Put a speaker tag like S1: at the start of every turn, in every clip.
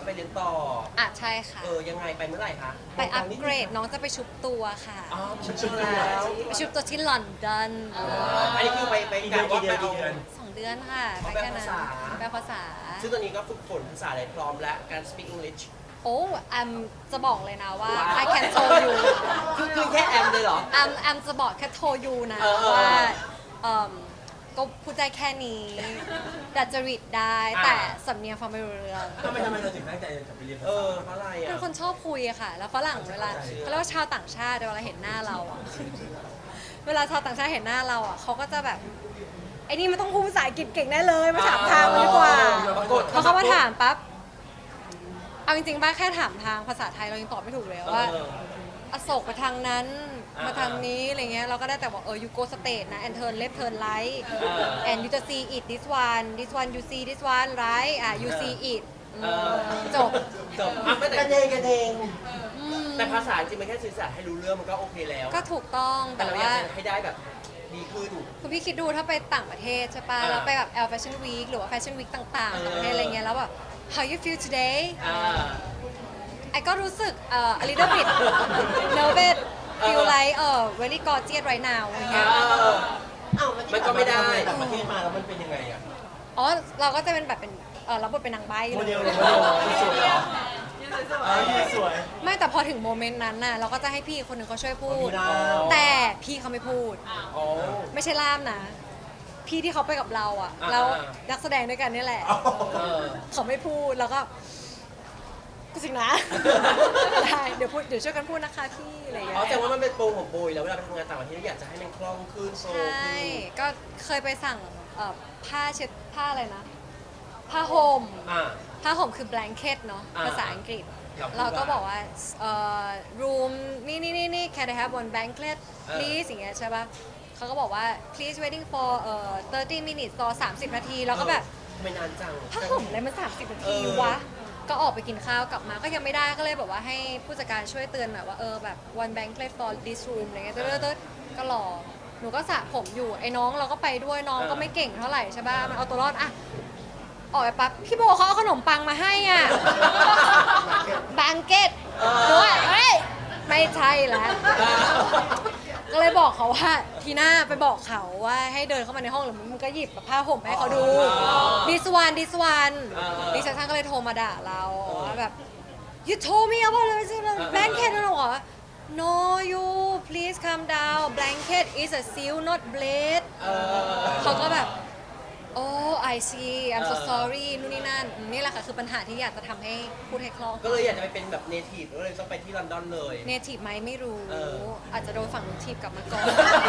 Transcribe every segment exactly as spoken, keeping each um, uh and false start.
S1: ไปเรียนต่อ
S2: อ่ะใช่ค่ะ
S1: เออยังไงไปเมื่อไหร่คะ
S2: ไปอัปเกรดน้องจะไปชุบตัวค่ะ
S1: อ๋อชุบตัวแล้ว
S2: ไปชุบตัวที่ลอนดอน
S1: อันนี้คือไปไปกะว่าไปเอา
S2: สองเดือนค่ะไปแค่นั้นแปลภาษา
S1: ซึ่งตอนนี้ก็ฝึกฝนภาษาอะไรพร้อมแล้วการ speak English
S2: โอ้แอมจะบอกเลยนะว่า I can tell you
S1: คือคือแค่แอมเลยเหรอ
S2: แอมแอมจะบอกแค่โทรยูนะว่าเอ่อก็พูดได้แค่นี้ดัดจริตได้แต่สำเนียงฟังไม่รู้เรื่อง
S3: ทำไมทำไมเราถึงตั้งใจจะไปเรียนภาษา
S1: เออเพราะอะไรอ่ะ
S2: เป็นคนชอบคุยอะค่ะ แล้วฝรั่งเวลาเขาเรียกว่าชาวต่างชาติเวลาเห็นหน้าเราอะเวลาชาวต่างชาติเห็นหน้าเราอะเขาก็จะแบบไอ้นี่มันต้องพูดภาษาอังกฤษเก่งแน่เลยมาถามทางมันดีกว่าพอเขามาถามปั๊บเอาจริงๆบ้าแค่ถามทางภาษาไทยเรายังตอบไม่ถูกเลยว่าอโศกไปทางนั้นมาทางนี้อะไรเงี้ยเราก็ได้แต่บอกเออ you go straight นะ and turn left turn right and you just see it this one this one you see this one right อ่ะ you see it จบ
S1: จบอ่ะไม่แต่กันเองกันเองแต่ภาษาจริงมันแค่สื่อสารให้รู้เรื่องมันก็โอเคแล้ว
S2: ก็ถูกต้อง
S1: แต่เราอยากให้ได้แบบดีขึ้น
S2: คุณพี่คิดดูถ้าไปต่างประเทศใช่ป่ะแล้วไปแบบ L Fashion Week หรือว่า Fashion Week ต่างๆต่างประเทศอะไรเงี้ยแล้วแบบ how you feel today ไอ้ก็รู้สึกเอ่อ a little bit nervous feel like เอ่อ very gorgeous right now อย่างเงี้ย
S1: มันก็ไม่ได้
S3: ต่างประเทศมาแล้วมันเป็นยังไงอ่ะ
S2: อ๋อเราก็จะเป็นแบบเป็นเออรับบทเป็นนางใบ้
S3: โมเดลเลยสวยสวย
S2: ไม่แต่พอถึงโมเมนต์นั้นน่ะเราก็จะให้พี่คนหนึ่งเขาช่วยพูดแต่พี่เขาไม่พูดไม่ใช่ล่ามนะพี่ที่เขาไปกับเราอ่ะแล้วนักแสดงด้วยกันนี่แหละเขาไม่พูดแล้วก็ก็สิงนะได้เดี๋ยวพูดเดี๋ยวช่วยกันพูดนะคะพี่อะไรอย่างเงี้ย
S1: อ๋อแต่ว่ามันเป็นโปรของโบยแล้วเวลาไปทำงานต่างประเทศอยากจะให้มันคล่องขึ้นโซล
S2: ใช่ก็เคยไปสั่งผ้าเช็ดผ้าอะไรนะผ้าห่มผ้าห่มคือ blanket เนาะภาษาอังกฤษเราก็บอกว่าเอ่อ room นี่นี่นี่นี่ can I have one blanket please อย่างเงี้ยใช่ป่ะเขาก็บอกว่า please waiting for เอ่อthirty minutes ต่อสามสิบนาทีแล้วก็แบบ
S1: ไม่นานจัง
S2: ผ้าห่มอะไรมันสามสิบนาทีวะก็ออกไปกินข้าวกลับมาก็ยังไม่ได้ก็เลยแบบว่าให้ผู้จัดการช่วยเตือนหน่อยว่าเออแบบ one blanket for this room อะไรเงี้ยเติร์ดก็รอหนูก็สระผมอยู่ไอ้น้องเราก็ไปด้วยน้องก็ไม่เก่งเท่าไหร่ใช่ป่ะมันเอาตัวรอดอะออกไปปั๊บพี่โบเขาเอาขนมปังมาให้อ่ะบังเก็ตด้วยเฮ้ยไม่ใช่แล้วก็เลยบอกเขาว่าทีหน้าไปบอกเขาว่าให้เดินเข้ามาในห้องหรือมึงก็หยิบผ้าห่มให้เขาดูดิสวันดิสวันดิฉันก็เลยโทรมาด่าเราว่าแบบ you told me about the blanket แล้วหรอ no you please calm down blanket is a seal not blade เขาก็แบบโอ้ I see I'm so sorry นู่นนี่นั่นนี่แหละค่ะคือปัญหาที่อยากจะทำให้พูดให้คล่อง
S1: ก็เลยอยากจะไปเป็นแบบเนทีฟก็เลยต้องไปที่ลอนดอนเลย
S2: เนทีฟไหมไม่รู้อาจจะโดนฝั่งนู้นทีบกลับมาก่อน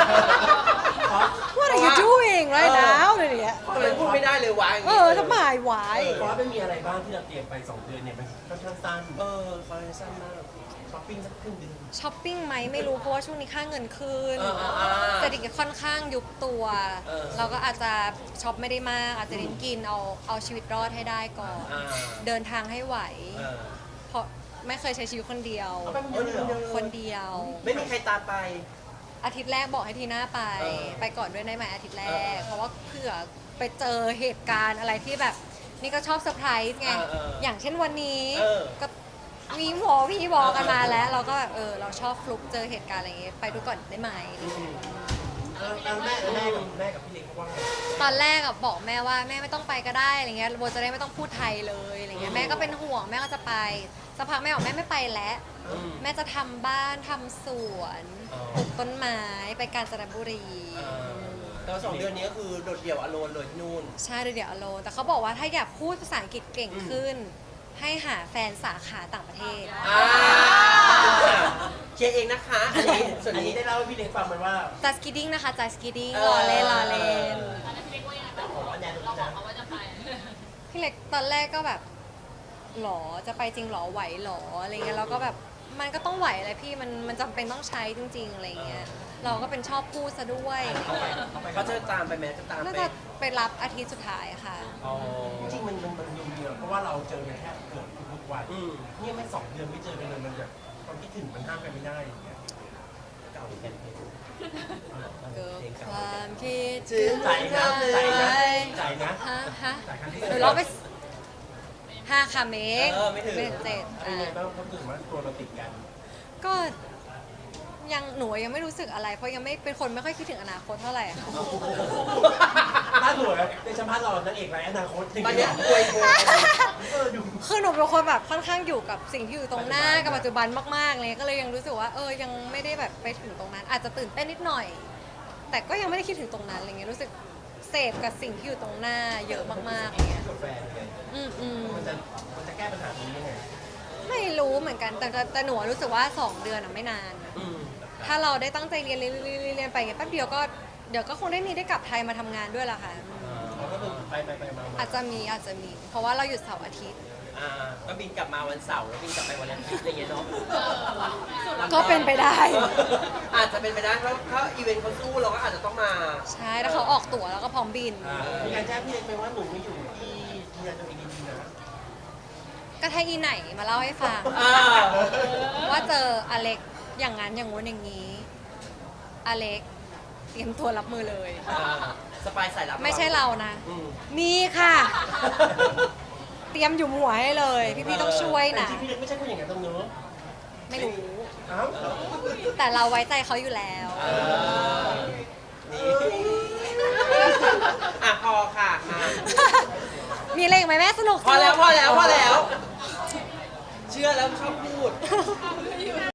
S2: What are you doing right now เลยเนี่ย
S1: ทำไมพูดไม่ได้เลยวะ
S2: เออทำไมวะ
S3: เพราะว่าไม่มีอะไรบ้างที่เราเตรียมไปสองเดือนเนี่ยมันค่อนข้างสั้น
S1: เออค่อนข้างสั้นมากช้อปปิ้งสักครึ่งเดือน
S2: ช้อปปิ้งไหมไม่รู้เพราะว่าช่วงนี้ค่าเงินขึ้นเศรษฐกิจค่อนข้างยุบตัวเราก็อาจจะช็อปไม่ได้มากอาจจะเน้นกินเอาเอาชีวิตรอดให้ได้ก่อนเดินทางให้ไหวเพราะไม่เคยใช้ชีวิตคนเดียวคนเดียว
S1: ไม่มีใครตามไป
S2: อาทิตย์แรกบอกให้ทีน่าไปไปก่อนด้วยได้ไหมอาทิตย์แรกเพราะว่าเผื่อไปเจอเหตุการณ์อะไรที่แบบนี่ก็ชอบเซอร์ไพรส์ไงอย่างเช่นวันนี้ก็มีหมอพี่บอกกันมาแล้วเราก็แบบเออเราชอบฟลุกเจอเหตุการณ์อะไรอย่างเงี้ยไปดูก่อนได้ไหม
S3: แล้วแม่แม่กับแม่กับพี่เล็กเขาว่าไง
S2: ตอนแรกอะบอกแม่ว่าแม่ไม่ต้องไปก็ได้อะไรเงี้ยโบจะได้ไม่ต้องพูดไทยเลยอะไรเงี้ยแม่ก็เป็นห่วงแม่ก็จะไปสักพักแม่บอกแม่ไม่ไปแล้วแม่จะทำบ้านทำสวนปลูกต้นไม้ไปกาญจนบุรี
S1: แต่สองเดือนนี้ก็คือโดดเดี่ยวอโลนเลยที่นู่น
S2: ใช่โดดเดี่ยวอโลนแต่เขาบอกว่าถ้าอยากพูดภาษาอังกฤษเก่งขึ้นให้หาแฟนสาขาต่างประเทศ
S1: เชียร์เองนะคะอันนี้ส่วนนี้
S3: ได้เล่าให้พี่เล็กฟังมันว่า
S2: จัสกิดดิ้งนะคะจัสกิดดิ้งรอเล่นรอเล่นพี่เล็กตอนแรกก็แบบหรอจะไปจริงหรอไหวหรออะไรเงี้ยแล้วก็แบบมันก็ต้องไหวอะไรพี่มันมันจำเป็นต้องใช้จริงๆอะไรเงี้ยเราก็เป็นชอบพูดซะด้วย
S1: เขาจะตามไปไหมจะตามไป
S2: น่าจะไปรับอาทิตย์สุดท้ายค่ะ
S3: จริงมันมันมันยุ่งเยอะเพราะว่าเราเจอกันแค่เกือบทุกวันนี่ไม่สองเดือนไม่เจอกันเลยมันแบบความคิดถึงมันห้ามกันไม่ได้อย่างเงี้ย
S1: เก่าแก่
S2: เกิดความคิด
S3: ถึงใจนะใจนะใจนะ
S2: ฮะฮะหนูร้องไปฮห้าค่ะเมก
S1: เออไม่ถึง
S2: ไม่ถึงเจ็ด
S3: เป็นไงบ้างเขาถึงว่าตัวเราติดกัน
S2: ก็ยังหนูยังไม่รู้สึกอะไร เพราะยังไม่เป็นคนไม่ค่อยคิดถึงอนาคตเท่าไหร่ค่ะ
S3: ถ้าสวยในสัมภาษณ์เรานางเอกไรอนาคตจริง
S1: ตอนเนี้ยอวยพร
S3: เออดู
S2: คือหนูเป็นคนแบบค่อนข้างอยู่กับสิ่งที่อยู่ตรงหน้ากับปัจจุบันมากๆเลยก็เลยยังรู้สึกว่าเออยังไม่ได้แบบไปถึงตรงนั้น อาจจะตื่นเต้นนิดหน่อย แต่ก็ยังไม่ได้คิดถึงตรงนั้นอะไรเงี้ยรู้สึกเสพกับสิ่งที่อยู่ตรงหน้าเยอะมากๆอะไรเงี้ย
S3: กับแฟนไง
S2: อืมอืม
S3: มันจะมันจะแก้ปัญหาตรงนี้ยังไง
S2: ไม่รู้เหมือนกันแต่แต่แต่หนูรู้สึกว่าสองเดือนอะไม่นานอะ
S1: อืม
S2: ถ้าเราได้ตั้งใจเรียนเรียนเรียนเรียนเรียนไปเงี้ยแป๊บเดียวก็เดี๋ยวก็คงได้มีได้กลับไทยมาทำงานด้วยล่ะค่ะ
S3: เราก็คือไปไปไปมามา
S2: อาจจะมีอาจจะมี เพราะว่าเราหยุดเสาร์อาทิตย์
S1: อ่าก็บินกลับมาวันเสาร์แล้วบินกลับไปวันอาทิตย์อะไรอย่างเงี้ยเนาะ
S2: ก็เป็นไปได้
S1: อาจจะเป็นไปได้เพราะถ้าอีเวนต์เขาสู้เราก็อาจจะต้องมา
S2: ใช่แล้วเขาออกตั๋วแล้วก็พร้อมบิน
S3: อ่ามีการแจ้งพี่เล็กไปว่าหนูไม่อยู่ที่ที่ยาตัวเองดีๆนะ
S2: ก็ถ้าอีไหนมาเล่าให้ฟัง
S1: อ่า
S2: ว่าเจออเล็กอย่างนั้นอย่างงู้นอย่างนี้ อเล็กเตรียมตัวรับมือเลย
S1: อ่าสปายสายลับ
S2: ไม่ใช่เรานะ
S1: อืม
S2: มีค่ะ เตรียมอยู่หัวให้เลย พี่ๆต้องช่วยนะ
S3: แต่จริงๆพี่เล็กไม่ใช่คนอย่างนั้นตรงเนอะ
S2: ไม่รู้
S3: อ้าว
S2: แต่เราไว้ใจเขาอยู่แล้ว
S1: เออนี่อ่ะพอค่ะมา
S2: มีอะไรอีกไหมแม่สนุก
S1: พอแล้ว
S2: สนุก
S1: พอแล้วพอแล้ว เชื่อแล้วชอบพูด